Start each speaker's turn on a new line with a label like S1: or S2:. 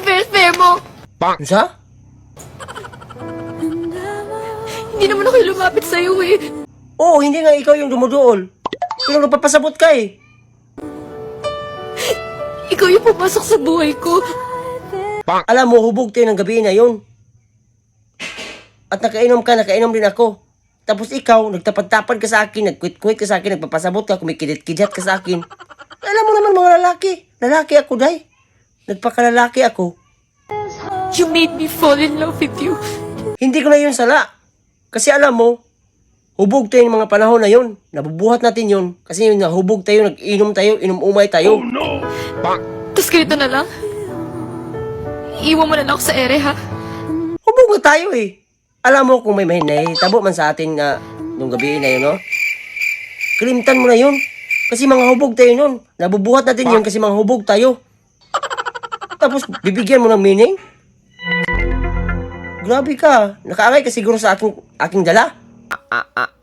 S1: fair mo.
S2: Sa?
S1: Hindi naman ako lumapit sa'yo eh.
S2: Oo, hindi nga ikaw yung dumuduol. Pero nagpapasabot ka eh.
S1: Ikaw yung pumasok sa buhay ko.
S2: Alam mo, hubog tayo ng gabi na yun. At nakainom ka, nakainom din ako. Tapos ikaw, nagtapad-tapad ka sa akin, nagkwit-kwit ka sa akin, nagpapasabot ka, kumikidit-kidit ka sa akin. Alam mo naman mga lalaki. Lalaki ako, day. Nagpakalalaki ako.
S1: You made me fall in love with you.
S2: Hindi ko na yun sala. Kasi alam mo, hubog tayo ng mga panahon na yun. Nabubuhat natin yun. Kasi yun, hubog tayo, nag-inom tayo, inom-umay tayo.
S3: Oh no!
S1: Tapos ganito na lang. Iwan mo na lang ako sa ere, ha?
S2: Hubog na tayo eh. Alam mo kung may tabo man sa atin na nung gabi na yun, no? Kalimtan mo na yun. Kasi mga hubog tayo nun. Nabubuhat natin yun kasi mga hubog tayo. Tapos bibigyan mo ng meaning? Grabe ka. Nakaangay ka siguro sa aking dala.